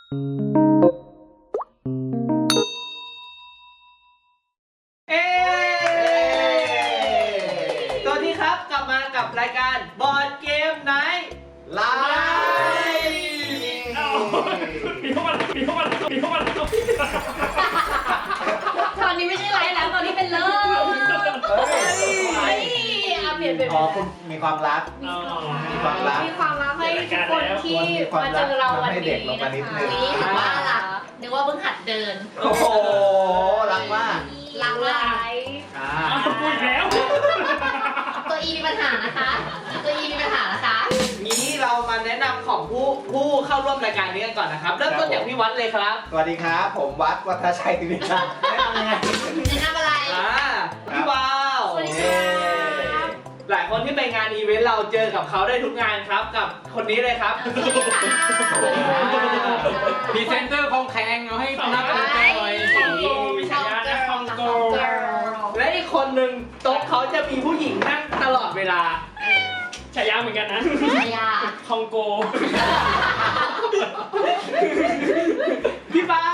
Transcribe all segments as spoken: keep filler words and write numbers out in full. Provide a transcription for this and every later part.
เอ๊สวัสดีครับกลับมากับรายการบอร์ดเกมไนท์ไลฟ์มีเข้ามามีเข้ามามีเข้ามาตอนนี้ไม่ใช่ไลฟ์แล้วตอนนี้เป็นเลิฟเฮ้ยเอาเปลี่ยนเป็นอ๋อคุณมีความรักมีความรักมีความรักให้ทุกคนที่มาเจอเราวันนี้นะคะนี่ถือว่ารักนึกว่าเพิ่งหัดเดินโอ้โหรักมากรักไลฟ์พูดแล้วตัวอีมีปัญหานะคะตัวอีมีปัญหานะคะงี้เรามาแนะนำของผู้ผู้เข้าร่วมรายการนี้กันก่อนนะครับเริ่มต้นจากพี่วัดเลยครับสวัสดีครับผมวัดวัฒชัยติวิชาแนะนำยังไงแนะนำอะไรอ่าพี่วาวสวัสดีครับหลายคนที่ไปงานอีเวนต์เราเจอกับเขาได้ทุกงานครับกับคนนี้เลยครับพรีเซนเตอร์คองแข็งเอาให้นับกันหน่อยมีฉายาและคองโกและอีกคนหนึ่งโต๊ะเขาจะมีผู้หญิงนั่งตลอดเวลาฉายาเหมือนกันนะฉายาคองโกพี่เปา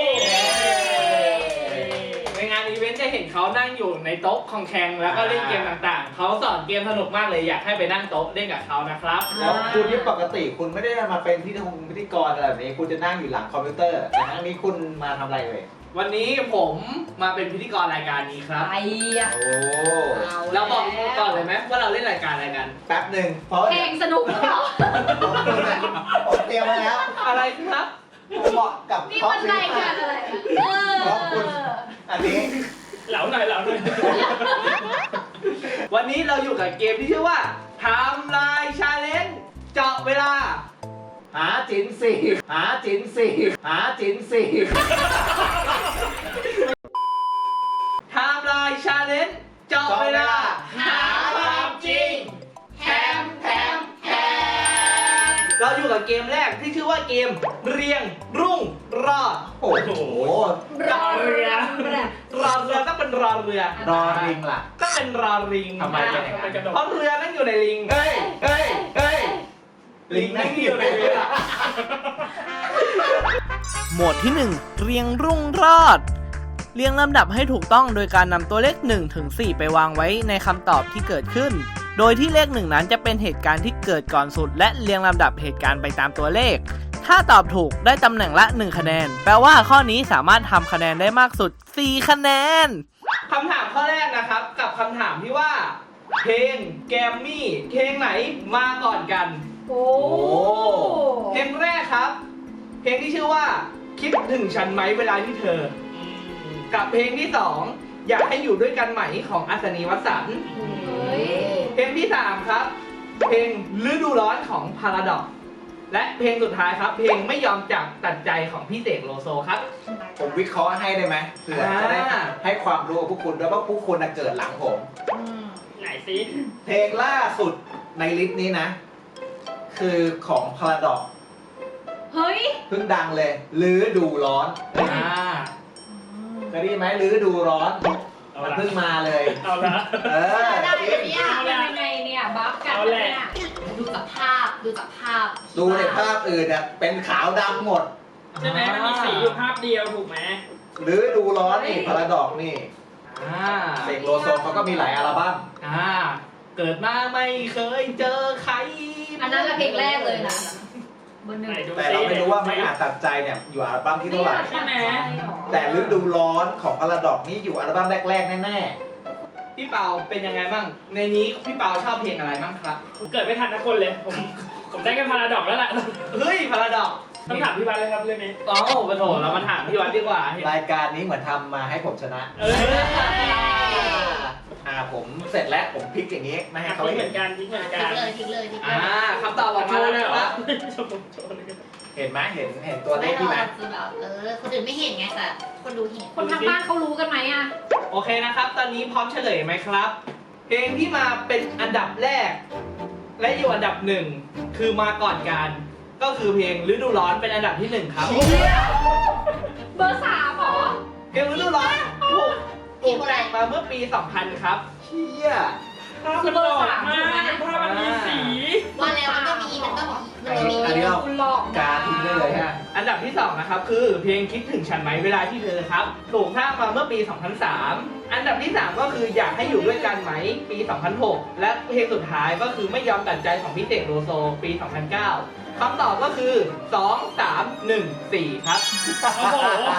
ในงานอีเวนต์จะเห็นเขานั่งอยู่ในโต๊ะคองแข็งแล้วก็เล่นเกมต่างๆเขาสอนเกมสนุกมากเลยอยากให้ไปนั่งโต๊ะเล่นกับเขานะครับแล้วคุณที่ปกติคุณไม่ได้มาเป็นพิธีกรพิธีกรอะไรแบบนี้คุณจะนั่งอยู่หลังคอมพิวเตอร์แต่ครั้งนี้คุณมาทำอะไรเลยวันนี้ผมมาเป็นพิธีกรรายการนี้ครับไอ้โอ้เราบอกก่อนเลยไหมว่าเราเล่นรายการอะไรกันแป๊บหนึ่งเพราะเพลงสนุกหรือเปล่าผมเตรียมมาแล้วอะไรครับเหมาะกับนี่มันรายการอะไรเพราะคุณอันนี้เหลาหน่อยเหลาหน่อยวันนี้เราอยู่กับเกมที่ชื่อว่าไทม์ไลน์ชาเลนจ์เจาะเวลาหาจินสี่หาจินสี่หาจินสี่ไทม์ไลน์ชาเลนจ์เจาะเวลาหาความจริงแถมแถมแถมเราอยู่กับเกมแรกที่ชื่อว่าเกมเรียงรุ่งรอดโอ้โหรอเรือรอเรือต้องเป็นรอเรือรอริงล่ะต้องเป็นรอริงทำไมเป็นอย่างนั้นเพราะเรือนั่งอยู่ในลิงเฮ้ยเฮ้ยเฮ้ยลิงนั่งอยู่ในเรือโหมดที่หนึ่งเรียงรุ่งรอดเรียงลำดับให้ถูกต้องโดยการนำตัวเลขหนึ่งถึงสี่ไปวางไว้ในคำตอบที่เกิดขึ้นโดยที่เลขหนึ่งนั้นจะเป็นเหตุการณ์ที่เกิดก่อนสุดและเรียงลำดับเหตุการณ์ไปตามตัวเลขถ้าตอบถูกได้ตำแหน่งละหนึ่งคะแนนแปลว่าข้อนี้สามารถทำคะแนนได้มากสุดสี่คะแนนคำถามข้อแรกนะครับกับคำถามที่ว่าเพลงแกมมี่เพลงไหนมาก่อนกันโอ้เพลงแรกครับเพลงที่ชื่อว่าคิดถึงฉันไหมเวลาที่เธอกับเพลงที่สองอยากให้อยู่ด้วยกันไหมของอัศนีวสันต์เพลงที่สามครับเพลงฤดูร้อนของพาราดอกและเพลงสุดท้ายครับเพลงไม่ยอมจับตัดใจของพี่เสกโลโซครับผมวิเคราะห์ให้ได้ไหมเพื่อจะได้ให้ความรู้กับพวกคุณด้วยว่าพวกคุณเกิดหลังผมไหนซิเพลงล่าสุดในลิสต์นี้นะคือของพาราดอกเฮ้ยเพิ่งดังเลยฤดูร้อนอ่าเคยได้ยินไหมฤดูร้อนมันเพิ่งมาเลยเอาละเออได้เนี่ยยังไงเนี่ยบัฟกันเนี่ยดูจากภาพดูจากภาพดูในภาพอื่นอ่ะเป็นขาวดำหมดใช่ไหมมันมีสีอยู่ภาพเดียวถูกไหมฤดูร้อนนี่พาราดอกนี่เสกโลโซเขาก็มีหลายอัลบั้มอ่าเกิดมาไม่เคยเจอใครอันนั้นละเพลงแรกเลยนะแต่เราไม่รู้ว่าไม่อาจตัดใจเนี่ยอยู่อัลบั้มที่เท่าไหร่ใช่ไหมแต่ฤดูร้อนของพาราดอกนี่อยู่อัลบั้มแรกๆแน่ๆพี่เปาเป็นยังไงบ้างในนี้พี่เปาชอบเพลงอะไรบ้างครับผมเกิดไม่ทันนะคนเลยผมผมได้แค่พาราดอกแล้วแหละเฮ้ยพาราดอกต้องถามพี่วัดเลยครับเรื่องนี้อ๋อปะโถเรามาถามพี่วัดดีกว่ารายการนี้เหมือนทำมาให้ผมชนะอ่าผมเสร็จแล้วผมพลิกอย่างนี้ไม่ให้เขาเหมือนกันทิ้งเหมือนกันทิ้งเลยทิ้งเลยทิ้งเลยอ่าคำตอบออกมาแล้วนะครับเห็นไหมเห็นเห็นตัวเลขที่ไหมเออคนอื่นไม่เห็นไงแต่คนดูเห็นคนทางบ้านเขารู้กันไหมอ่ะโอเคนะครับตอนนี้พร้อมเฉลยไหมครับเพลงที่มาเป็นอันดับแรกและอยู่อันดับหนึ่งคือมาก่อนกันก็คือเพลงฤดูร้อนเป็นอันดับที่หนึ่งครับเบอร์สามหรอเพลงฤดูร้อนถูกถูกแต่งมาเมื่อปีสองพันครับเชี่ยคือเบอร์สามถูกไหมภาพมันมีสีว่าแล้วมันก็มีมันก็บอกมันก็มีอันนี้เราการทิ้งได้เลยฮะอันนดับที่สองนะครับคือเพลงคิดถึงฉันไหมเวลาที่เธอครับถูกสร้างมาเมื่อปี สองพันสาม อันดับที่สามก็คืออยากให้อยู่ด้วยกันไหมปี สองพันหก และเพลงสุดท้ายก็คือไม่ยอมตัดใจของพี่เสกโลโซปี สองพันเก้า คำตอบก็คือ สอง สาม หนึ่ง สี่ ครับโอ้โห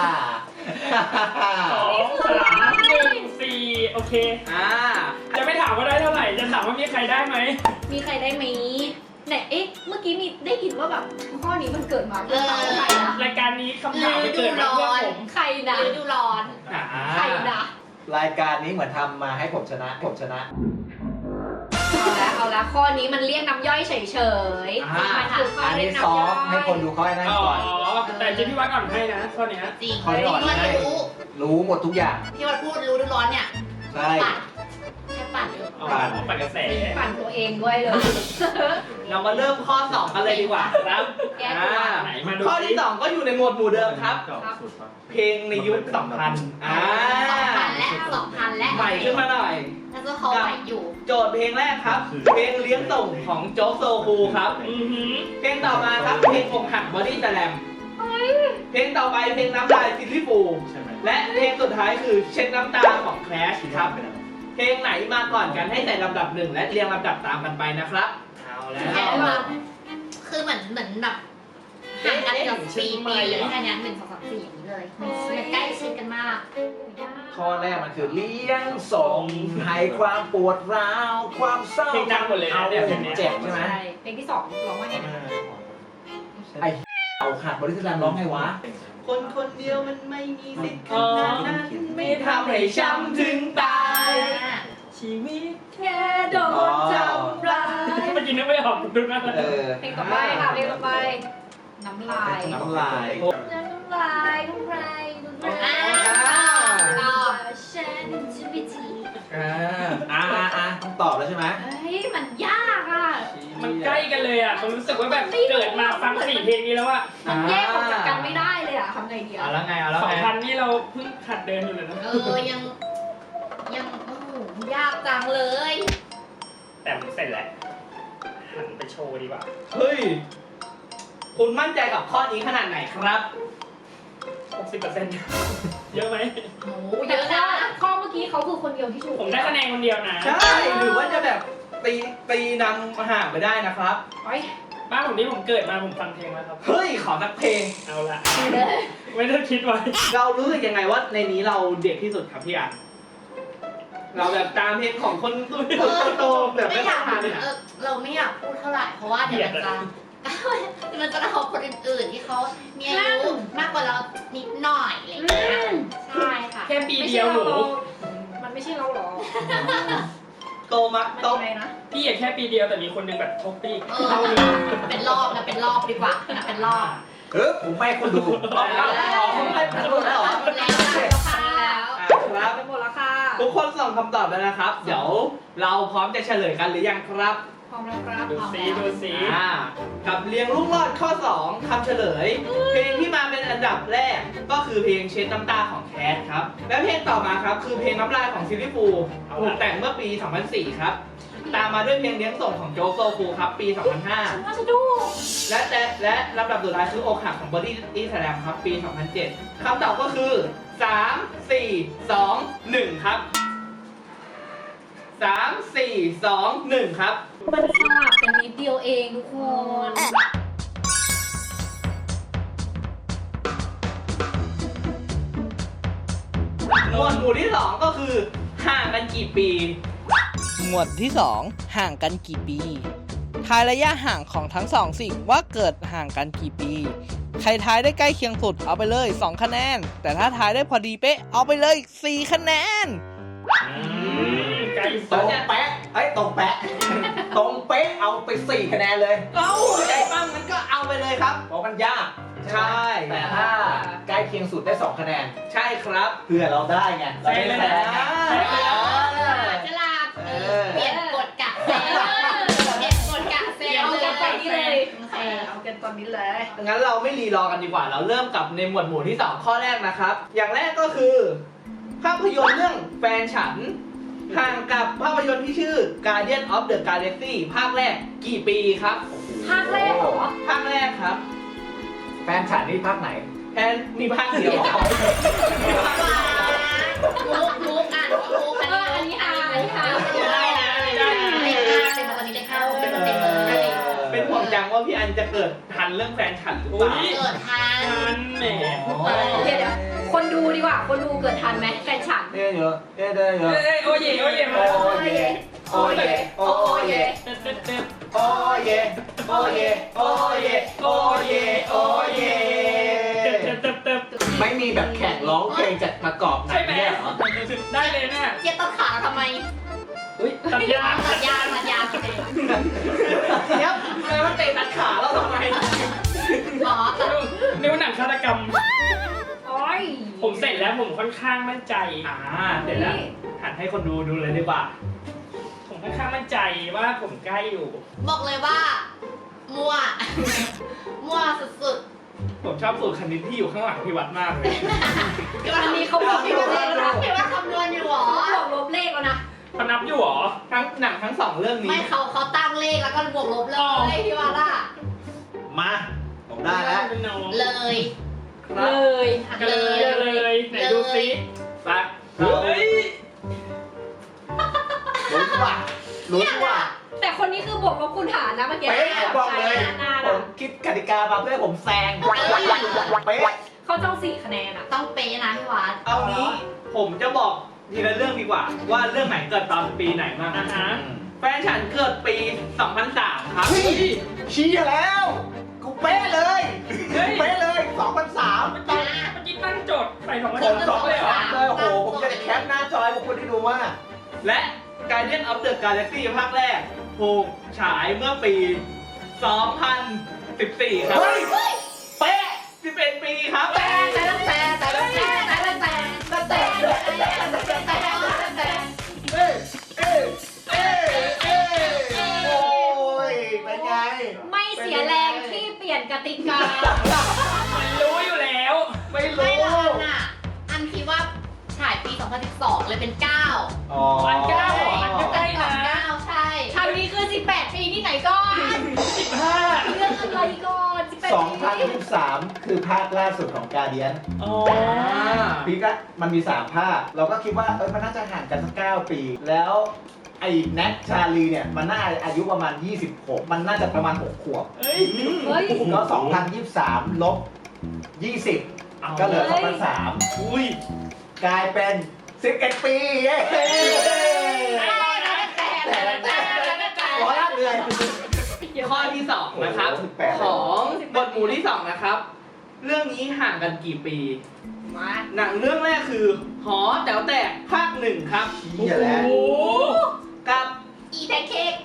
สองสามหนึ่งสี่โอเคอ่าจะไม่ถามว่าได้เท่าไหร่ จะถามว่ามีใครได้ไหมมีใครได้ไหมไหนเอ๊ะเมื่อกี้มีได้ยินว่าแบบข้อนี้มันเกิดมาเพื่อใครนะรายการนี้คำถามไปเกิดมาเพื่อผมใครนะฤดูร้อนอ่าใครนะรายการนี้เหมือนทำมาให้ผมชนะผมชนะเอาละเอาละข้อนี้มันเรียกน้ำย่อยเฉยๆมันคือข้ออันเรียนี้กซ้อน้ำย่อมให้คนดูข้อนั้นอ๋อก่อนแต่เจพี่วัดก่อนให้นะข้อเนี้ยจริงข้อนี้ก่อนที่มันให้รู้รู้หมดทุกอย่างที่มันพูดรู้ดูร้อนเนี่ยใช่ปั่นแค่ปั่นเองอ๋อปั่นกระแสปั่นตัวเองด้วยเลยเรามาเริ่มข้อสองกันเลยดีกว่าครับแก้ตัวอ่าไหนมาดูข้อที่สิสองก็อยู่ในหมวดหมู่เดิมครับ เพลงในยุคสองพันอ่าสองพันและสองพันและใหม่ขึ้นมาหน่อยแล้วก็เขาใหม่อยู่โจทย์เพลงแรกครับ เพลงเลี้ยงส่งของโจ๊กโซคูครับอือหือเพลงต่อมาครับเพลงอกหักบอดี้สแลมเพลงต่อไปเพลงน้ำลายซิลลี่ฟูลและเพลงสุดท้ายคือเช็ดน้ำตาของแคลชครับ เพลงไหนมาก่อนกันให้ใส่ลำดับหนึ่งและเรียงลำดับตามกันไปนะครับเอาแล้วแค่ว่าคือเหมือนเหมือนแบบห่างกันเกือบสี่ปีเลยแค่เนี้ยหนึ่งสองสามสี่อย่างนี้เลยมันใกล้ชิดกันมากข้อแรกมันคือเลี้ยงส่งให้ความปวดร้าวความเศร้าเพลงดังหมดเลยนะเอาเนี่ยเพลงเนี้ยเจ็บใช่ไหมใช่เพลงที่สองร้องว่าไงนะไอ้เอาขาดบริษัทร้องไงวะคนคนเดียวมันไม่มีสิทธิ์ขนาดนั้นไม่ทำให้ช้ำถึงตายชีวิตแค่โดนทำร้ายเมื่อกี้นึกไม่ออกดูนะเออเพลงต่อไปค่ะเพลงต่อไปน้ำลายน้ำลายน้ำลายน้ำลายน้ำลายต่อฉันจะไปจีอ่าอ่าอ่าอ่าต้องตอบแล้วใช่ไหมเฮ้ยมันยากอ่ะมันใกล้กันเลยอ่ะผมรู้สึกว่าแบบเกิดมาฟังสี่เพลงนี้แล้วอ่ะมันแยกออกจากกันไม่ได้เลยอ่ะทำไงดีเอาอ่ะแล้วไงเอาแล้วสองไงพันนี่เราเพิ่งขัดเดินอยู่เลยนะเออยังยังโอ้โหยากจังเลยแต่ผมเสร็จแล้วหันไปโชว์ดีกว่าเฮ้ยคุณมั่นใจกับข้อนี้ขนาดไหนครับหกสิบเปอร์เซ็นต์ เยอะไหมโอ้โหเยแต่อะข้อนะข้อเมื่อกี้เขาคือคนเดียวที่ถูกผมได้คะแนนคนเดียวนะใช่หรือว่าจะแบบตีตีนำห่างไปได้นะครับไว้บ้านผมนี่ผมเกิดมาผมฟังเพลงแล้วครับเฮ้ยขอสักเพลงเอาละไม่ได้คิดไว้เรารู้สึกยังไงว่าในนี้เราเด็กที่สุดครับพี่อ่ะเราแบบตามเพลงของคนโตๆแบบไม่ไม่อยากทันเนี่ยเออเราไม่อยากพูดเท่าไหร่เพราะว่าเดี๋ยวมันจะมันจะเอาคนอื่นๆที่เขามีอายุมากกว่าเรานิดหน่อยอะไรอย่างเงี้ยใช่ค่ะแค่ปีเดียวหนูมันไม่ใช่เราหรอโตมามันโตยังไงนะพี่แค่ปีเดียวแต่มีคนหนึงแบบทบปีกเออเป็นรอบนะเป็นรอบดีกว่านะเป็นรอบเออผมไม่ให้คุณดูอ๋ออ๋อไม่ทันแล้วเหรอแล้วแล้วค่ะอ่ะครับไปหมดแล้วค่ะทุกคนส่งคำตอบแล้วนะครับ เดี๋ยวเราพร้อมจะเฉลยกันหรือยังครับพร้อมแล้วครับดูสีดูสีอ่ากับเรียงลูกรอดข้อ สองคำเฉลย เพลงที่มาเป็นอันดับแรกก็คือเพลงเช็ดน้ำตาของแคทครับ และเพลงต่อมาครับคือเพลงน้ำลายของซิลลี่ฟูลถูกแต่งเมื่อปี สองพันสี่ ครับ ตามมาด้วยเพลงเลี้ยงส่งของโจ๊กโซคูครับปี สองพันห้าฉันว่าจะดูและแต่และลำดับสุดท้ายคืออกหักของบอดี้อีสแลมครับปี สองพันเจ็ด คำตอบก็คือ สาม สี่ สอง หนึ่ง ครับ สาม สี่ สอง หนึ่ง ครับมันสลับกันนิดเดียวเองทุกคนหมวดหมู่ที่สองก็คือห่างกันกี่ปีหมวดที่ สอง ห่างกันกี่ปี ทายระยะห่างของทั้งสองสิ่งว่าเกิดห่างกันกี่ปี ใครทายได้ใกล้เคียงสุดเอาไปเลย สอง คะแนน แต่ถ้าทายได้พอดีเป๊ะเอาไปเลย สี่ คะแนนใกล้ตรงแป๊ะไอ้ยตรงแป๊ะ ตรงเป๊ะเอาไปสี่คะแนนเลยเอ้าใจปั้มมันก็เอาไปเลยครับเพราะมันยากใช่แต่ถ้าใกล้เคียงสุดได้สองคะแนนใช่ครับเพื่อเราได้ไงเราได้แซงไงใช่เลยนะฉลาดเออเปลี่ยนกฎกะเซลเปลี่ยนกฎกะเซลเอาเลกันตอนนี้เลยยเออเอากันตอนนี้เลยงั้นเราไม่รีรอกันดีกว่า เราเริ่มกับในหมวดหมู่ที่สองข้อแรกนะครับ อย่างแรกก็คือ ภาพยนตร์เรื่องแฟนฉัน ห่างกับภาพยนตร์ที่ชื่อ Guardian of the Galaxy ภาคแรกกี่ปีครับภาคแรกเหรอภาคแรกครับภแฟนฉันนี่ภาคไหนแทนมีภาคเดียวมุกมุกอ่านว่ามุกอันเอออันนี้นี้อ่าอ่าน นอันอันนี้นี้อ่าอ่าน นได้นะได้นะเลขห้าเป็นวันนี้เลขห้าเป็นเต็มเลยเป็นห่วงจังว่าพี่อันจะเกิดทันเรื่องแฟนฉันหรือเปล่าเกิดทันมันแหมเดี๋ยวเดี๋ยวคนดูดีกว่า คนดูเกิดทันไหมแฟนฉันเอ๊ะเยอะเอ๊ะได้เยอะเอ้ยโอเย่โอเย่มาโอ้เยโอ้เยโอ้เยเต็มเต็มเต็มโอ้เยโอ้เยโอ้เยโอ้เยโอ้เยเต็มเต็มเต็มเต็มไม่มีแบบแข่งร้องเพลงจากประกอบหนัใช่งไหมเนี่ยเหรอได้เลยเนี่ยเจี๊ยบต้นขาทำไมอุ้ยตัดยางตัดยางตัดยางเดี๋ยวแปลว่าเตะตัดขาแล้วทำไมหมอตัดนิ้วหนังฆาตกรรมโอ้ยผมเสร็จแล้วผมค่อนข้างมั่นใจอ่าเดี๋ยวนะหันให้คนดูดูเลยดีกว่าผมค่อนข้างมั่นใจว่าผมใกล้อยู่บอกเลยว่า มั่ว มั่วสุดผมชอบสูตรคณิตที่อยู่ข้างหลังพี่วัดมากเลยๆพี่ว่าอันนี้เขาบอกพี่พี่ว่าว่าเลขแล้วนะพี่ว่าคำนวณอยู่หรอเขาบอกลบเลขแล้วนะเขานับอยู่เหรอทั้งหนังทั้งสองเรื่องนี้ไม่เขาเขาตั้งเลขแล้วก็บวกลบเลอ๋อยพี่ว่าล่ะมาผมได้แล้วเป็นน้องเลยครัเลบยกันเลยเลยไหนดูซิไปเฮ้ยลุ้นว่ะลุ้นว่ะแต่คนนี้คือบวกลบคูณหารนะเมื่อกี้เป๊ะผมบอกเลยนานผๆอะมคิดกติกามาเพื่อให้ผมแซงเป๊ะเขาต้องสี่คะแนนอะต้องเป๊ะนะพี่วัดเอางี้ผมจะบอกทีละเรื่องดีกว่า ว่าเรื่องไหนเกิดตอนปีไหนบ้างอ่ะฮะแฟนฉันเกิดปี สองพันสาม ครับเฮ้ยชี้แล้วกูเป๊ะเลยเฮ้ยเป๊ะเลยสองพันสามเมื่อกี้เมื่อกี้ตั้งโจทย์ใส่สองพันผมสองเลยเหรอสามเลยโอ้โหผมจะได้แคปหน้าจอให้พวกคุณได้ดูว่าและ Guardian of the Galaxy ภาคแรกถูกฉายเมื่อปี สองพันสิบสี่ ครับเฮ้ยเป๊ะสิบเอ็ดปีครับแต่แต่แต่แต่แต่แต่แต่แต่แต่แต่แต่เอ้ยเอ้ยเอ้ยเอ้ยโอ้ยเป็นไงไม่เสียแรงที่เปลี่ยนกติกามันรู้อยู่แล้วไม่ไม่รู้ละอันน่ะอันคิดว่าฉายปี สองพันสิบสอง เลยเป็นเก้าอ๋อวันเก้าเหรอมันก็ใกล้สองนะเก้าใช่ทางนี้คือสิบแปดปีที่ไหนก่อนสิบห้าเรื่องอะไรก่อนสิบแปดสองปีพันยี่สิบสามคือภาคล่าสุดของกาเดียนอ๋อปีก็มันมีสามภาค เราก็คิดว่าเออมันน่าจะห่างกันสักเก้าปี แล้วไอ้แน็กชาลีเนี่ยมันน่าอายุประมาณยี่สิบหกมันน่าจะประมาณหกขวบเฮ้ยเฮ้ยก็สองพันยี่สิบสามลบยี่สิบก็เหลือเฮ้สอย งพันสามอุ้ยกลายเป็นสิบเอ็ดปีเย้ร้อยละเลยข้อที่สองนะครับโอ้โหสิบแปดของบทหมู่ที่สองนะครับ เรื่องนี้ห่างกันกี่ปีมาหนังเรื่องแรกคือหอแต๋วแตกภาคหนึ่งครับเหี้ยแล้วโอ้กับอีแพนเค้ก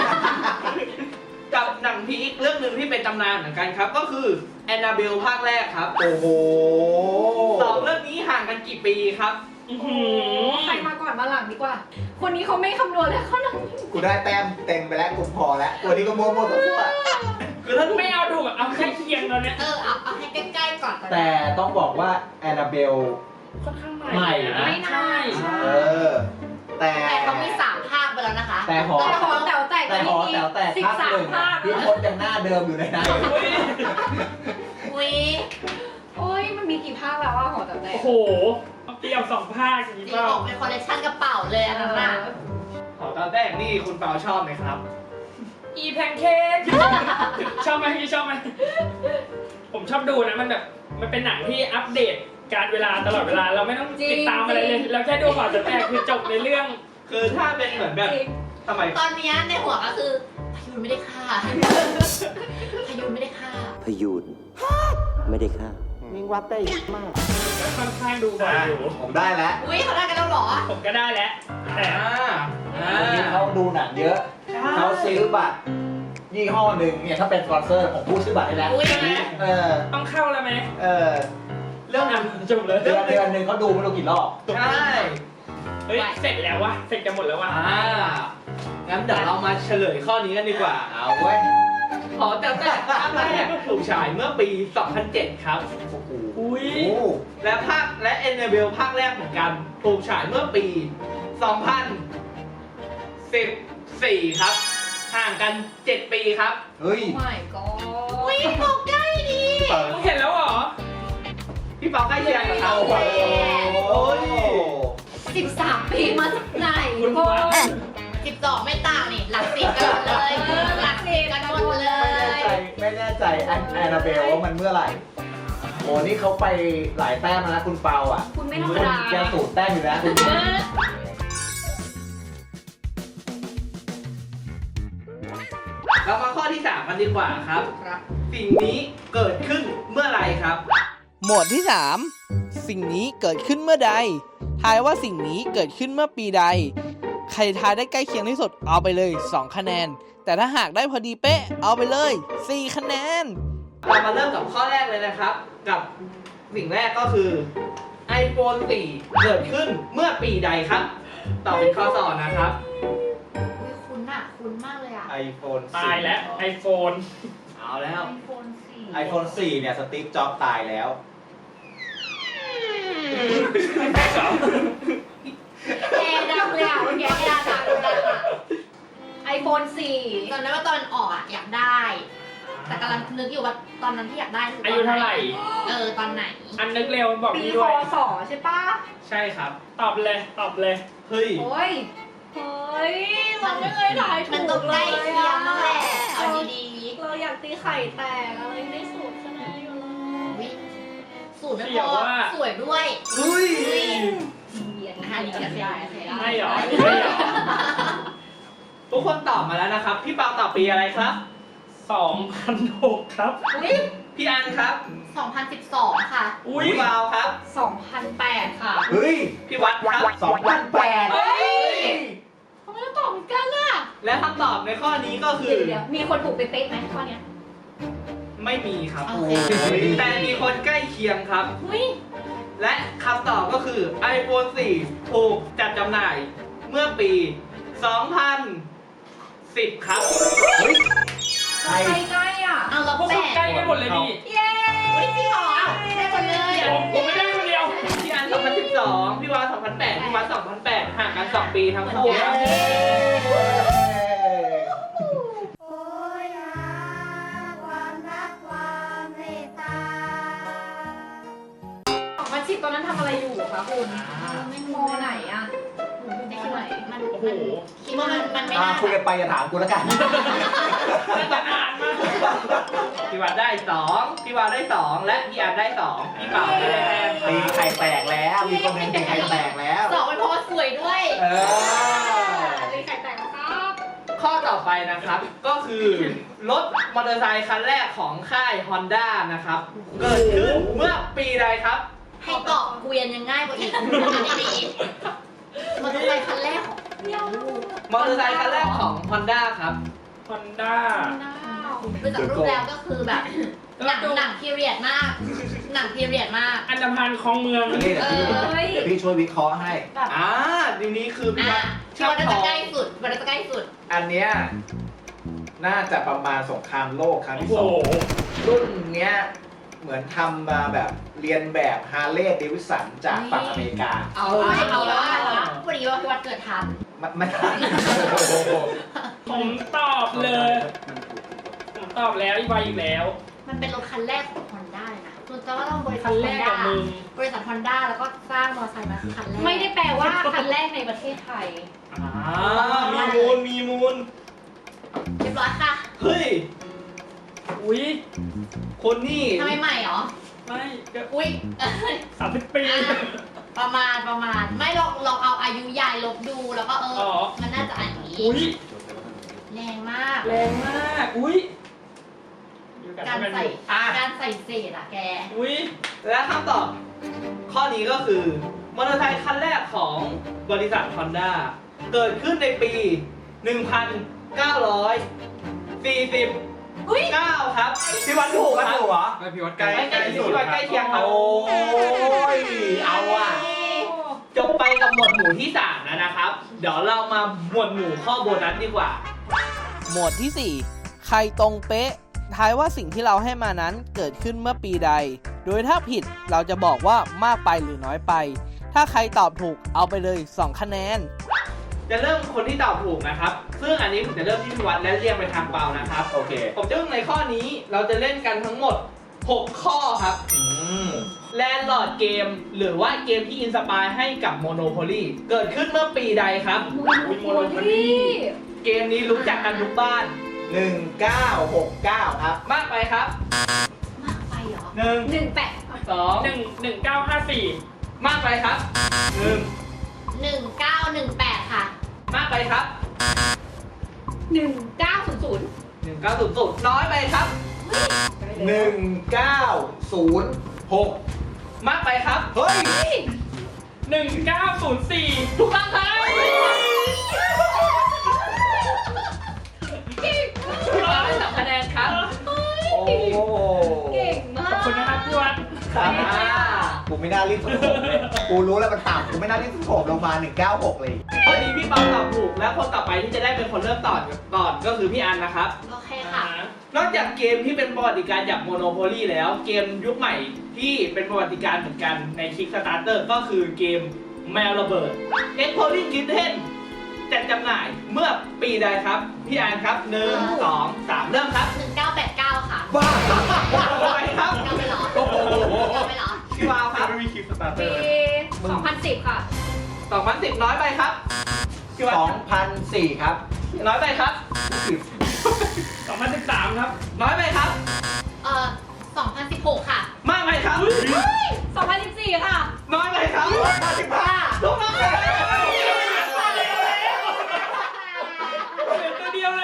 กับหนังพีคเรื่องหนึ่งที่เป็นตำนานเหมือนกันครับ ก็คือแอนนาเบลภาคแรกครับโอ้โหสองเรื่องนี้ห่างกันกี่ปีครับอื้อโอ้หืโหอใครมาก่อนมาหลังดีกว่า คนนี้เขาไม่คำนวณแล้วเขานั่งกูได้แต้มเต็มไปแล้วกูพอแล้วตัวนี้ก็มั่วๆตัวทั่วคือถ้าไม่เอาถูกอะเอาแค่เคียงตอนเนี้ยเออเอาเอาให้ใกล้ๆก่อนแต่ต้องบอกว่าแอนนาเบลค่อนข้างใหม่ใหม่นะไม่ใช่นานใช่เออ แต่แต่เขามีสามภาคไปแล้วนะคะแต่หอแต่หอแต๋วแตกแต่หอแต๋วแตกสิบภาคสาหมนึ่งภาคพี่พจน์ยังหน้าเดิมอยู่เลยนะอุ้ยอุ้ยโอ้ยมันมีกี่ภาคแล้วว่าหอแต๋วแตกโอ้โหเอาเปรียบสองภาคอย่างนี้นี่เปล่าออกเป็นคอลเลคชันกระเป๋าเลยอันนั้นน่ะหอแต๋วแตกนี่คุณเปาชอบไหมครับอีแพนเค้กชอบไหมพี่ชอบไหมผมชอบดูนะมันแบบมันเป็นหนังที่อัปเดตการเวลาตลอดเวลาเราไม่ต้องติดตามอะไรเลยเราแค่ดูก่อนจะแตกคือจบในเรื่องคือถ้าเป็นเหมือนแบบจริงทำไมตอนเนี้ยในหัวก็คือพยูนไม่ได้ฆ่า พยูนไม่ได้ฆ่าพยูนไม่ได้ฆ่าค่อนข้างดูบ่อยอยู่ผมได้แล้วอุ้ยเขาได้กันแล้วเหรอผมก็ได้แล้วแต่อ่าอ่าวันนี้เขาดูหนังเยอะ เขาซื้อบัตรยี่ห้อหนึ่งเนี่ยถ้าเป็นสปอนเซอร์ผมพูดชื่อบัตรให้แล้วอุ้ยเออต้องเข้าแล้วไหมเออเรื่องอ่ะนั้นจบเลยเดือนเดือนหนึ่งเขาดูไม่รู้กี่รอบใช่เฮ้ยเสร็จแล้ววะเสร็จกันหมดแล้ววะอ่างั้นเดี๋ยวเรามาเฉลยข้อนี้กันดีกว่าเอาเว้ยหอแต๋วแตกภาคแรกถูกฉายเมื่อปี สองพันเจ็ด ครับโอ้โหอุ้ยและภาคและแอนนาเบลภาคแรกเหมือนกันถูกฉายเมื่อปี สองพันสิบสี่ ครับ ห่างกัน เจ็ด ปีครับเฮ้ยไม่ก็อุ้ยบอกใกล้ดีเปามึงเห็นแล้วเหรอพี่เปาใกล้เคียงกับเขาโอ้โหโอ้ยสิบสามปีมาจากไหนคุณโอ้วัดสิบสองไม่ต่างนี่หลักสิบกันหมดเลยหลักสิบกันหมดเลไม่แน่ยใจไม่แน่ใจแอนแอนนาเบลว่ามันเมื่อไหร่โอ้นี่เขาไปหลายแต้มแล้วนะคุณเปาอ่ะคุณไม่ธรรมดาแกสูตรแต้มอยู่นะคุณเรามาข้อที่สามกันดีกว่าครับครับสิ่งนี้เกิดขึ้นเมื่อไหร่ครับหมวดที่ สาม สิ่งนี้เกิดขึ้นเมื่อใด ทายว่าสิ่งนี้เกิดขึ้นเมื่อปีใด ใครทายได้ใกล้เคียงที่สุดเอาไปเลย สอง คะแนน แต่ถ้าหากได้พอดีเป๊ะเอาไปเลย สี่ คะแนนเรามาเริ่มกับข้อแรกเลยนะครับ กับสิ่งแรกก็คือ iPhone สี่ เกิดขึ้นเมื่อปีใดครับตอบเป็นข้อสองนะครับอุ้ยคุ้นอ่ะคุ้นมากเลยอ่ะไอโฟนตายแล้วไอโฟนเอาแล้วไอโฟนสี่ไอโฟนสี่เนี่ยสตีฟจ็อบส์ตายแล้วแกดังเลยอ่ะเมื่อกี้แกดังดังดังอ่ะไอโฟนสี่ตอนนั้นว่าตอนออกอะอยากได้ แต่กำลังนึกอยู่ว่าตอนนั้นที่อยากได้คือตนอายุเท่าไหร่เออตอนไหนอันนึกเร็วบอกปีพี่คด้วยศใช่ปะใช่ครับตอบเลยตอบเลยเฮ้ยโอ้ยเฮ้ยเราไม่เคยถ่ายถูมันกต้องเลใกล้ยเคียงนั่นแหละเอาดีเราอยากตีไข่แตกอะไรไม่สุดขนาดนี้อยู่เลๆยวิสูตรไม่เสี่พยวอว่าสวยด้วยเฮ้ยเบียดอ่ะเดี๋ยวเสียดายเสียดายไม่หรอไม่หรอทุกคนตอบมาแล้วนะครับ พี่เปาตอบปีอะไรครับสองพันหกครับอุ้ยพี่อันครับสองพันสิบสองค่ะอุ้ยพี่เปาครับสองพันแปดค่ะเฮ้ยพี่วัดครับสองพันแปดเฮ้ยทำไมต้องตอบเหมือนกันล่ะและคำตอบในข้อนี้ก็คือเดี๋ยวๆมีคนถูกไปเป๊ะไหมข้อเนี้ยไม่มีครับโอเคแต่มีคนใกล้เคียงครับอุ้ยและคำตอบก็คือ iPhone สี่ ถูกจัดจำหน่ายเมื่อปี สองพันสิบ ครับเฮ้ยใกล้ใกล้ๆอ่ะเอาเราพวกแปคุณดใกล้กันหมดเลยนี่เย้อุ้ยจริงเหรอได้หมดเลยผมผมไม่ได้คนเดียวพี่อัน สองพันสิบสอง พี่วาสองพันแปด พี่วัดสองพันแปด ห่างกัน สอง ปีทั้งคู่ครับสองพันสิบตอนนั้นทำอะไรอยู่คะคุณมอไหนอ่ะหนูอยู่ไม่มคิดอไหนว่ามันโอ้โหคิดว่ามันมันไม่อ่าน่าคุยกันไปอย่าถามกูแล้วกันน่าจะนานมากพี่วัดได้ สอง พี่วาได้ สอง และพี่อันได้ สอง พี่เปาไม่ได้แต้มคตีรับไข่แตกแล้ว มีคนหนึงตีไข่แตกแล้วสองเป็นเพราะว่าสวยด้วยเออเลยไข่แตกแล้วครับข้อต่อไปนะครับ ก็คือ รถมอเตอร์ไซค์คันแรกของค่าย Honda นะครับ เกิดขึ้นเมื่อปีใดครับให้ตอบเกวียนยังง่ายกว่าอีกอันนี้ๆมันต้องไปคันแรกของมอเตอร์ไซค์คันแรกของ Honda ครับฮอนด้าดูจากรูปแล้วก็คือแบบหนังหนังพีเรียดมาก หนังพีเรียดมากอันดามันคลองเมืองนี่เดี๋ยวพี่เอ้ยเดี๋ยวพี่ช่วยวิเคราะห์ให้อ่าทีนี้คือพี่อ่ะวัดที่ว่าน่าจะใกล้สุดวันน่าจะใกล้สุดอันเนี้ยน่าจะประมาณสงครามโลกครั้งโอ้ที่โหสองรุ่นเนี้ยเหมือนทำมาแบบเรียนแบบฮาร์เลย์เดวิสันจากฝั่งอเมริกาเอาเอาว่าพอดีว่าพี่วัดเกิดทันมันมันทันผมตอบเลย ผมตอบแล้วอีกใบอีกแล้วมันเป็นรถคันแรกของ Honda เลยนะคุณจะว่าต้องบริษัคัทนแรกกับ Honda มึงบริษัท Honda แล้วก็สร้างมอเตอร์ไซค์มาคันแรกไม่ได้แปลว่าคันแรกในประเทศไทยอ่ามีมูล มีมูลเรียบร้อยค่ะเฮ้ยอุ้ยคนนี่ทำไมใหม่เหรอไม่ก็อุ้ยสามสิบปีประมาณประมาณ ไม่ลองลองเอาอายุยายลบดูแล้วก็เอออ๋อมันน่าจะอันนี้อุ้ยแรงมากแรงมาก อุ้ยอยู่นการให้มันใส่อยู่อ่ะการใส่เศษอะแกอุ้ยและคำตอบ ข้อนี้ก็คือ มอเตอร์ไซค์คันแรกของบริษัท Honda เกิดขึ้นในปี หนึ่งพันเก้าร้อยสี่สิบเก้า ครับ พี่วันถูกมันครับถูกเหรอไม่พี่วัดใกใกล้ล้ใกล้ที่พี่วันใกล้เคียงครับโอ้ย เอาอ่ะจบไปกับหมวดหมู่ที่สามแล้วนะครับ เดี๋ยวเรามาหมวดหมู่ข้อโบนัสดีกว่าหมวดที่ สี่ ใครตรงเป๊ะ ทายว่าสิ่งที่เราให้มานั้นเกิดขึ้นเมื่อปีใด โดยถ้าผิดเราจะบอกว่ามากไปหรือน้อยไป ถ้าใครตอบถูกเอาไปเลย สอง คะแนนจะเริ่มคนที่ตอบถูกนะครับ ซึ่งอันนี้ผมจะเริ่มที่พี่วัดและเรียงไปทางเปานะครับโอเคผมจะเริ่มในข้อนี้เราจะเล่นกันทั้งหมดหกข้อครับอืมแลนด์ลอร์ดเกมหรือว่าเกมที่อินสปายให้กับ Monopoly เกิดขึ้นเมื่อปีใดครับโมโนโพลี่เกมนี้รู้จักกันทุกบ้านหนึ่งเก้าหกเก้าครับมากไปครับมากไปเหรอหนึ่งหนึ่งแปดสองหนึ่งหนึ่งเก้าห้าสี่มากไปครับหนึ่งหนึ่งเก้าหนึ่งแปดค่ะมากไปครับหนึ่งเก้าศูนย์ศูนย์หนึ่งเก้าศูนย์ศูนย์น้อยไปครับหนึ่งเก้าศูนย์หกมากไปครับเฮ้ยหนึ่งเก้าศูนย์สี่ถูกต้องครับพี่บอลได้สองคะแนนครับโอ้โหเก่งมาขอบกคุณนะครับพี่วัดครับอ่ากูไม่น่ารีบสุดโขมเลย กูรู้แล้วมันต่ำกูไม่น่ารีบสุดโขมลงมาหนึ่งเก้าหกเลยพอดีพี่บอลตอบถูกแล้วคนต่อไปที่จะได้เป็นคนเริ่มต่อก่อนก็คือพี่อันนะครับโอเคค่ะนอกจากเกมที่เป็นประวัติการณ์จาก Monopoly แล้วเกมยุคใหม่ที่เป็นประวัติการณ์เหมือนกันใน Kickstarter ก็คือเกมแมวระเบิด Exploding Kitten จัดจำหน่ายเมื่อปีใดครับ พี่อันครับหนึ่งสองสามเริ่มครับหนึ่งเก้าแปดเก้าค่ะบ้าไปครับเก้าไปเหรอโอ้โหเก้าไปเหรอพี่วาวครับไม่มีคลิปสตาร์เตอปีร์สองพันสิบค่ะสองพันสิบน้อยไปครับพี่วาสวองพันสี่ครับน้อยไปครับสองพันสิบสามครับน้อยไปครับเอ่อสองพันสิบหกค่ะมากไปครับสองพันสิบสี่ค่ะน้อยไปครับห้าสิบห้าถูกต้องครับเหลือตัวเดียวเลย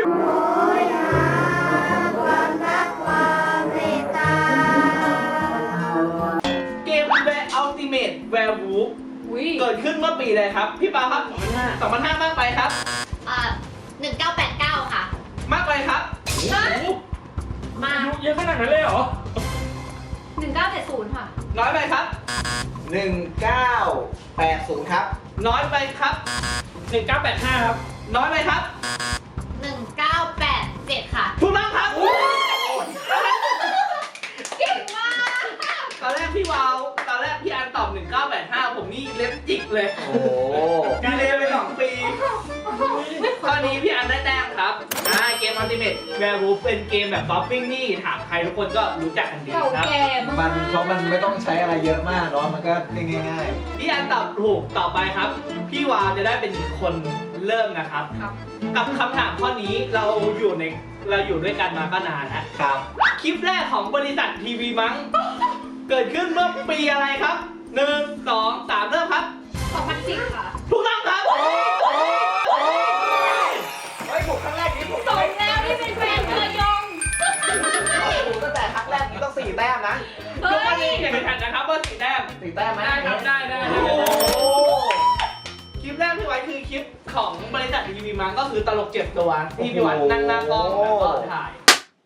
เกม The Ultimate Werewolf อุ้ยเกิดขึ้นเมื่อปีใดครับ พี่ปาครับสองพันห้า มากไปครับเอ่อหนึ่งเก้าแปดเก้าค่ะมากไปครับมาอายุเยอะขนาดนั้นเลยเหรอหนึ่งเก้าเจ็ดศูนย์ค่ะน้อยไปครับหนึ่งเก้าแปดศูนย์ครับน้อยไปครับหนึ่งเก้าแปดห้าครับน้อยไปครับหนึ่งเก้าแปดเจ็ดค่ะถูกต้องครับเก่งมากตอนแรกพี่วาวตอนแรกพี่อันตอบหนึ่งเก้าแปดห้าผมนี่เล็บจิกเลยโอ้โหดีเลยไปสองปีข้อนี้พี่อันได้แต้มครับอ่าเกม Ultimate Werewolf เป็นเกมแบบบ๊อบบิ้งนี่ถามใครทุกคนก็รู้จักกันดีเก่าครับแก่มากมันเพราะมันไม่ต้องใช้อะไรเยอะมากเนาะ มันก็เล่นง่ายพี่อันตอบถูกต่อไปครับ พี่วาวจะได้เป็นคนเริ่มนะครับครับกับคำถามข้อนี้เราอยู่ในเราอยู่ด้วยกันมาก็นานแล้วๆ ครับคลิปแรกของบริษัททีวีมั้ง เกิดขึ้นเมื่อปีอะไรครับหนึ่งสองสามเริ่มครับสองพันสิบค่ะถูกต้องครับเฮ้ยผมครั้งแรกนี้ผมสมแล้วที่เป็นแฟนเธอยงผมตั้งแต่ครั้งแรกนี้ต้องสี่แต้มนะเฮ้ทุกวันนี้ยแข่งขันนะครับว่าสีแต้มสี่แต้มไหมได้ครับได้ได้โอ้ได้โหคลิปแรกที่ไว้คือคลิปของบริษัททีวีมั้งก็คือตลกเจ็บตัวที่พี่วันนั่งหน้ากล้องแล้วก็ถ่าย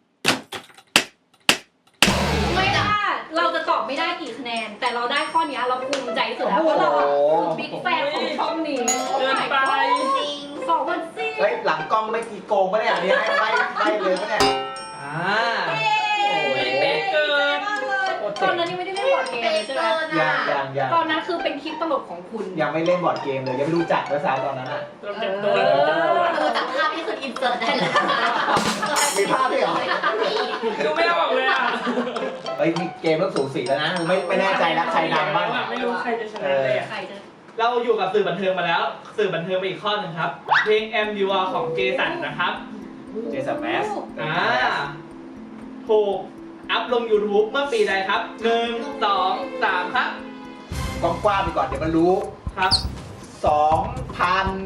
ไม่ว่าเราจะตอบไม่ได้กี่คะแนน แต่เราได้ข้อนี้เราภูมิใจสุดแล้วเพราะเราอะคือบิ๊กแฟนของช่องนี้เกินไปจริงสองพันสี่เฮ้ย หลังกล้องไม่กี่โกงปะเนี่ยนี่ให้ไล่ไล่เลยปะเนี่ยอ่าเป๊ะเกินมากเลยตอนนั้นยังไม่ได้เล่นบอร์ดเกมเป๊ะเลยใช่ไหมเกินยัอ่ะงยังยังตอนนั้นคือเป็นคลิปตลกของคุณยังไม่เล่นบอร์ดเกมเลย ยังไม่รู้จักด้วยซ้ำตอนนั้นอ่ะเราเจ็บตัวเออเออจากภาพที่คืออินเสิร์ตได้เลยมีภาพด้วยเหรอดูไม่ออกเลยอ่ะเฮ้ยนี่เกมเริ่มสูสีแล้วนะ ไม่ไม่แน่ใจแล้วใครนำบ้างไม่รู้ใครจะชนะเลยอ่ะใครจะเราอยู่กับสื่อบันเทิงมาแล้ว สื่อบันเทิงไปอีกข้อหนึ่งครับ เพลง M U R ของเจสันนะครับเจสันแมสอ่าถูกอัพลง YouTube เมื่อปีใดครับหนึ่งสองสามครับกว้างกว้างไปก่อนเดี๋ยวมันรู้ครับสองพัน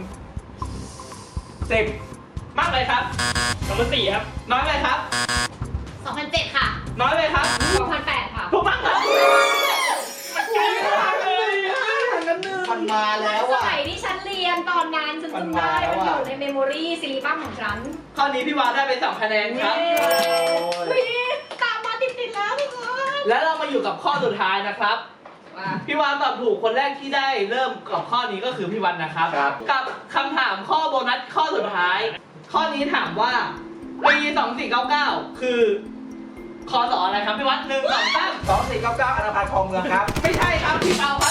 สิบมากเลยครับสองพันสี่ครับน้อยเลยครับสองพันเจ็ดค่ะน้อยเลยครับสองพันแปดค่ะถูกต้องครับใกล้มากเลยมันมาแล้วสอ่ะมัยที่ฉันเรียนตอนนั้นฉันจำได้มัมันนอมาแล้วอะยู่ในเมมโมรีซีรีบัมของฉันข้อนี้พี่วาวได้ไปสองคะแนนครับเย้เฮ้ยตามมาติดๆแล้วทุกคนแล้วเรามาอยู่กับข้อสุดท้ายนะครับว่าพี่วานตอบถูกคนแรกที่ได้เริ่มกับข้อนี้ก็คือพี่วันนะครับครับกับคำถามข้อโบนัสข้อสุดท้าย ข้อนี้ถามว่าปีสองสี่เก้าเก้าคือคอสออะไรครับพี่วัดหนึ่งสองสามสองสี่เก้าเก้าอนาพันธ์คลองเมืองครับไม่ใช่ครับพี่เอาครับ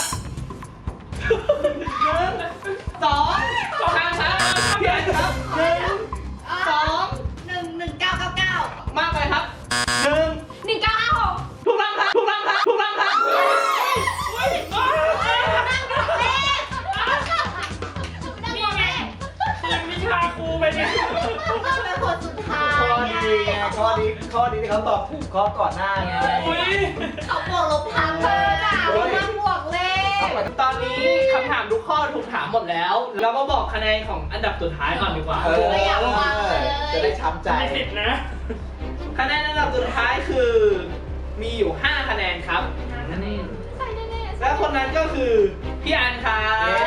หนึ่งสองสามครับพี่แอนครับหนึ่งสองหนึ่งหนึ่งเก้าเก้าเก้ามากไปครับหนึ่งหนึ่งเก้านี้ที่เขาตอบถูกข้อก่อนหน้าไงอุ้ยเขาบวกลบทางเธอจ้ะเขามาบวกเลขตอนนี้คำถามทุกข้อถูกถามหมดแล้ว เราก็บอกคะแนนของอันดับสุดท้ายก่อนดีกว่าเออไม่อยากฟังเลยจะได้ช้ำใจไม่ติดนะคะแนนอันดับสุดท้ายคือมีอยู่ ห้า คะแนนครับคะแนนใส่แน่ๆและคนนั้นก็คือพี่อันครับเย้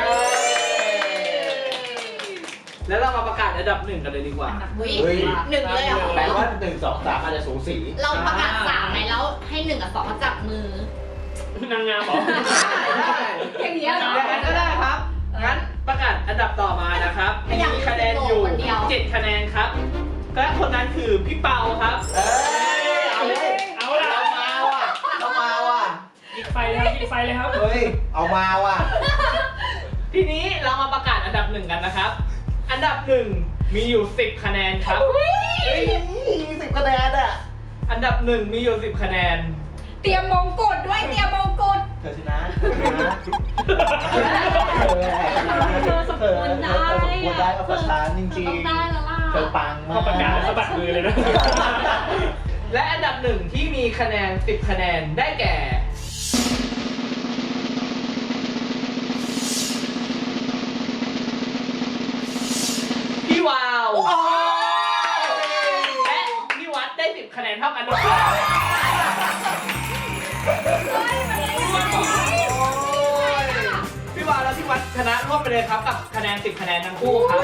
แล้วเรามาประกาศอันดับหนึ่งกันเลยดีกว่าอุ๊ยเฮ้ยหนึ่งเลยเหรอแปลว่าหนึ่งสองสามอาจจะสูสีเราประกาศสามไหมแล้วให้หนึ่งกับสองมาจับมือนางงามเหรออย่างเงี้ยเหรออย่างนั้นก็ได้ครับ งั้นประกาศอันดับต่อมานะครับไม่อยากมีคะแนนอยู่คนเดียวเจ็ดคะแนนครับ และคนนั้นคือพี่เปาครับเอ้ยเอาเลยเอาล่ะเอามาว่ะเอามาว่ะยิงไฟเลยครับยิงไฟเลยครับเฮ้ยเอามาว่ะทีนี้เรามาประกาศอันดับหนึ่งกันนะครับ อันดับหนึ่งมีอยู่สิบคะแนนครับเฮ้ยสิบคะแนนอ่ะอันดับหนึ่งมีอยู่สิบคะแนนเตรียมมงกุฎด้วยเตรียมมงกุฎเธอชนะเธอชนะเธอเธอสมควรได้เธอสมควรได้กับประชาจริงต้องได้แล้วล่ะๆเธอปังมาพอก ประกาศแล้วสะบัดมือเลยนะและอันดับหนึ่งที่มีคะแนนสิบคะแนนได้แก่ พี่วาวโอ้ยและพี่วัดได้สิบคะแนนเท่ากันด้วยพี่วาวและพี่วัดชนะร่วมไปเลยครับกับคะแนนสิบคะแนนทั้งคู่ครับ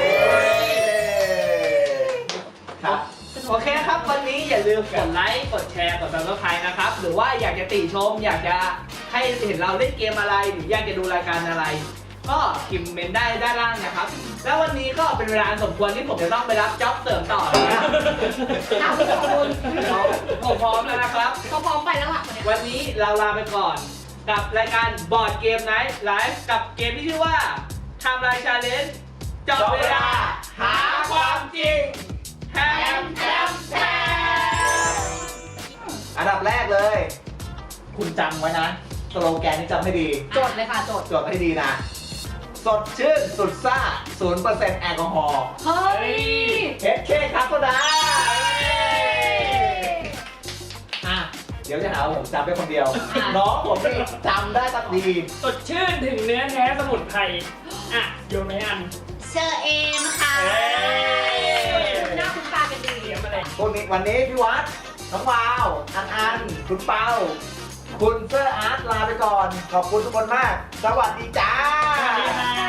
ครับโอเคครับ วันนี้อย่าลืมกดไลค์ กดแชร์ กด ซับสไครบ์ นะครับ หรือว่าอยากจะติชม อยากจะให้เห็นเราเล่นเกมอะไร หรืออยากจะดูรายการอะไร ก็พิมพ์เมนได้ด้านล่างนะครับ แล้ววันนี้ก็เป็นเวลาอันสมควรที่ผมจะต้องไปรับจ็อบเสริมต่อนะเอาขอบคุณผมพร้อมแล้วนะครับเขาพร้อมไปแล้วล่ะคนเนี้ยวันนี้เราลาไปก่อน กับรายการบอร์ดเกมไนท์ไลฟ์กับเกมที่ชื่อว่าไทม์ไลน์ชาเลนจ์จับเวลาหาความจริงแฮมแฮมแฮมอันดับแรกเลย คุณจำไว้นะ สโลแกนนี้จำให้ดีจดเลยค่ะจดจดให้ดีนะ สดชื่น สุดซ่า ศูนย์เปอร์เซ็นต์ แอลกอฮอล์เฮ้ยเอสเคครับก็ได้อ่ะ เดี๋ยวจะหาว่าผมจำได้คนเดียวอ่ะน้องผมนี่จำได้ตักดีสดชื่นถึงเนื้อแท้สมุนไพรอ่ะโยนไหมอันเชอเอมค่ะเอ้ยหน้าคุณตากันดีเตรียมอะไรพวกนี้วันนี้พี่วัด น้องวาว อันอัน คุณเปา คุณเซอร์อาร์ตลาไปก่อน ขอบคุณทุกคนมาก สวัสดีจ้าสวัสดีครับ